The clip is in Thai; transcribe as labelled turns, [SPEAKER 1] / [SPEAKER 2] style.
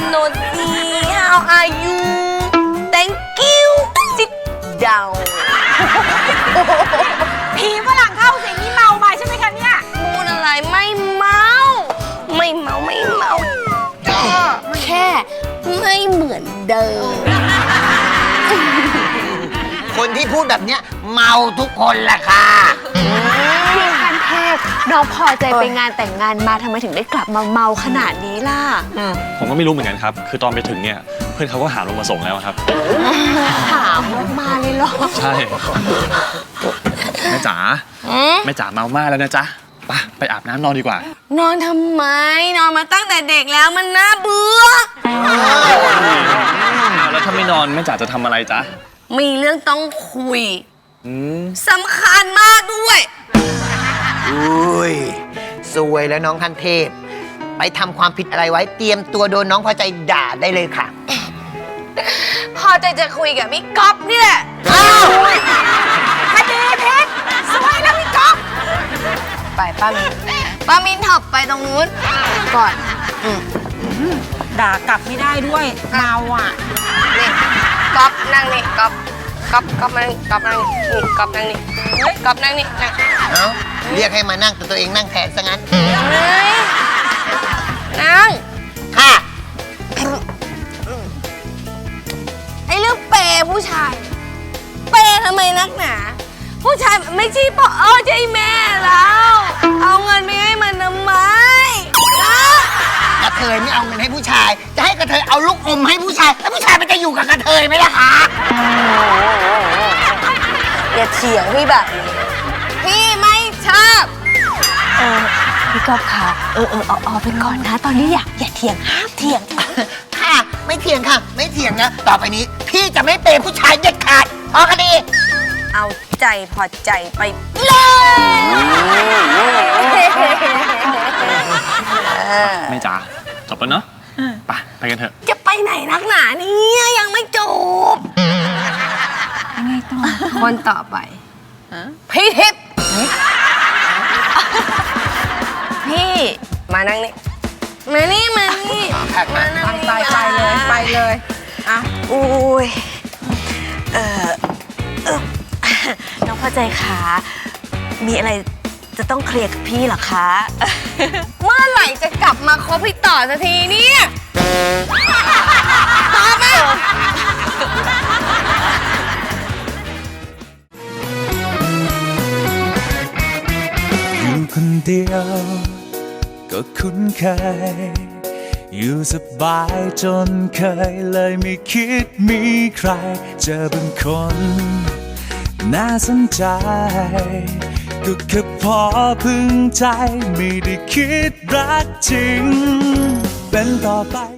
[SPEAKER 1] Noti how are you Thank you Sit down
[SPEAKER 2] ผีฝรั่งเข้าสิงนี่เมามาใช่ไหมคะเนี่ย
[SPEAKER 1] พูดอะไรไม่เมาไม่เมาแค่ไม่เหมือนเดิม
[SPEAKER 3] คนที่พูดแบบเนี้ยเมาทุกคนแหละค่ะ
[SPEAKER 4] พี่คันเทพน้องพอใจไปงานแต่งงานมาทำไมถึงได้กลับมาเมาขนาดนี้ล่ะ
[SPEAKER 5] ผมก็ไม่รู้เหมือนกันครับ คือตอนไปถึงเนี่ยเพื่อนเขาก็หาลงมาส่งแล้วครับ
[SPEAKER 4] ถามมาเลยเหรอ
[SPEAKER 5] ใช่แม่จ๋าแม่จ๋าเมามากแล้วนะจ๊ะไปอาบน้ำนอนดีกว่าน
[SPEAKER 1] อนทำไมนอนมาตั้งแต่เด็กแล้วมันน่าเบื่อ
[SPEAKER 5] แล้วถ้าไม่นอนแม่จ๋าจะทำอะไรจ๊ะ
[SPEAKER 1] มีเรื่องต้องคุยสำคัญมากด้วย
[SPEAKER 3] อุ้ยสวยแล้วน้องคันเทพ ไปทำความผิดอะไรไว้เตรียมตัวโดนน้องพอใจด่าได้เลยค่ะ
[SPEAKER 1] พอใจจะคุยกับพี่ก๊อฟนี่แหละ
[SPEAKER 2] คดีเพชรสวยแล้วพี่ก๊อฟ
[SPEAKER 1] ไปป้ามินถอบไปตรงนู้นก่อน
[SPEAKER 2] ด่ากลับไม่ได้ด้วยเมาอ่ะ
[SPEAKER 1] นี่ก๊อฟนั่งนี่ก๊อฟมานี่ก๊อฟนั่งนี่ก๊อฟนั่งนี่ก๊อฟนั่งนี่นั่ง
[SPEAKER 3] เอ้าเรียกให้มานั่งแต่ตัวเองนั่งแทนซะงั้น
[SPEAKER 1] เฮ้ยนั่ง
[SPEAKER 3] ค่ะ
[SPEAKER 1] ไอ้เรื่องเปย์ผู้ชาย เปย์ทำไมนักหนา ผู้ชายไม่ใช่พ่อใช่แม่แล้วเอาเงินไปให้มันทำไมนะ
[SPEAKER 3] กระเทยไม่เอาเงินให้ผู้ชาย จะให้กระเทยเอาลูกอมให้ผู้ชาย แล้วผู้ชายมันจะอยู่กับกระเทยไหมล่ะคะ
[SPEAKER 1] อย่าเถียงพี่แบบนี้พี่ไม่ชอบ
[SPEAKER 4] พี่ก๊อฟค่ะเอาไปก่อนนะ ตอนนี้อย่าเถียงห้ามเถียง
[SPEAKER 3] ค่ะ ไม่เถียงค่ะ ไม่เถียงนะ ต่อไปนี้ พี่จะไม่เปย์ผู้ชายเด็ดขาดพอคดี
[SPEAKER 1] เอาใจพอใจไปเลย
[SPEAKER 5] แม่จ๋าจบแล้วเนาะไปกันเถอะ
[SPEAKER 1] จะไปไหนนักหนาเนี่ยยังไม่จบยังไงต่อคนต่อไปพี่ทิพย์พี่มานั่งนี่มานี่มานั่งนี่
[SPEAKER 2] ไปเลยอ่ะ
[SPEAKER 4] อุ้ยน้องพอใจขามีอะไรจะต้องเคลียร์กับพี่เหรอคะ
[SPEAKER 1] เมื่อไหร่จะกลับมาคบพี่ต่อสักทีเนี่ยตอบมา
[SPEAKER 6] อยู่คนเดียวก็คุ้นเคยอยู่สบายจนเคยเลยไม่คิดมีใครเจอบางคนน่าสนใจก็แค่พอพึงใจไม่ได้คิดรักจริงเป็นต่อไป